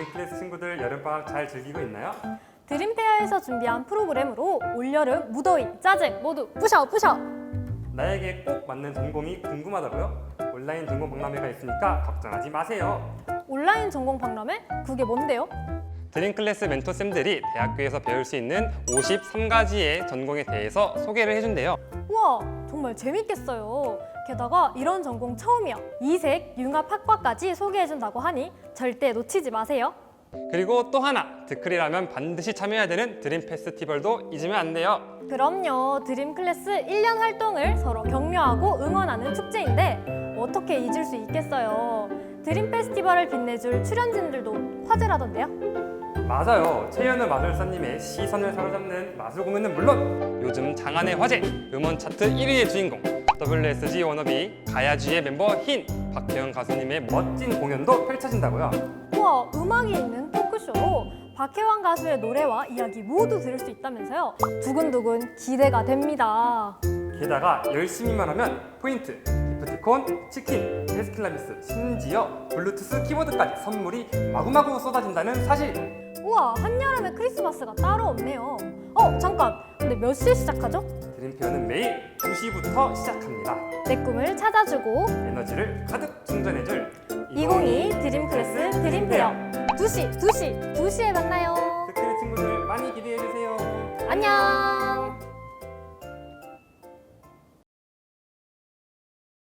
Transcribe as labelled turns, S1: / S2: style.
S1: 드림클래스 친구들 여름방학 잘 즐기고 있나요?
S2: 드림페어에서 준비한 프로그램으로 올여름, 무더위, 짜증 모두 부셔!
S1: 나에게 꼭 맞는 전공이 궁금하다고요? 온라인 전공 박람회가 있으니까 걱정하지 마세요.
S2: 온라인 전공 박람회? 그게 뭔데요?
S1: 드림클래스 멘토쌤들이 대학교에서 배울 수 있는 53가지의 전공에 대해서 소개를 해준대요.
S2: 우와, 정말 재밌겠어요. 게다가 이런 전공 처음이야. 이색, 융합학과까지 소개해준다고 하니 절대 놓치지 마세요.
S1: 그리고 또 하나, 드클이라면 반드시 참여해야 되는 드림 페스티벌도 잊으면 안 돼요.
S2: 그럼요. 드림클래스 1년 활동을 서로 격려하고 응원하는 축제인데 어떻게 잊을 수 있겠어요. 드림 페스티벌을 빛내줄 출연진들도 화제라던데요.
S1: 맞아요. 최연우 마술사님의 시선을 사로잡는 마술 공연은 물론 요즘 장안의 화제, 음원 차트 1위의 주인공 WSG 워너비 가야쥐의 멤버 흰 박혜영 가수님의 멋진 공연도 펼쳐진다고요.
S2: 우와, 음악이 있는 토크쇼로 박혜환 가수의 노래와 이야기 모두 들을 수 있다면서요. 두근두근 기대가 됩니다.
S1: 게다가 열심히만 하면 포인트, 기프티콘, 치킨, 헬스클라미스, 심지어 블루투스 키보드까지 선물이 마구마구 쏟아진다는 사실.
S2: 우와, 한여름에 크리스마스가 따로 없네요. 잠깐, 근데 몇 시에 시작하죠?
S1: 드림페어는 매일 2시부터 시작합니다.
S2: 내 꿈을 찾아주고
S1: 에너지를 가득 충전해줄
S2: 2022 드림클래스 드림페어 2시에 만나요.
S1: 드크리 친구들 많이 기대해주세요.
S2: 안녕.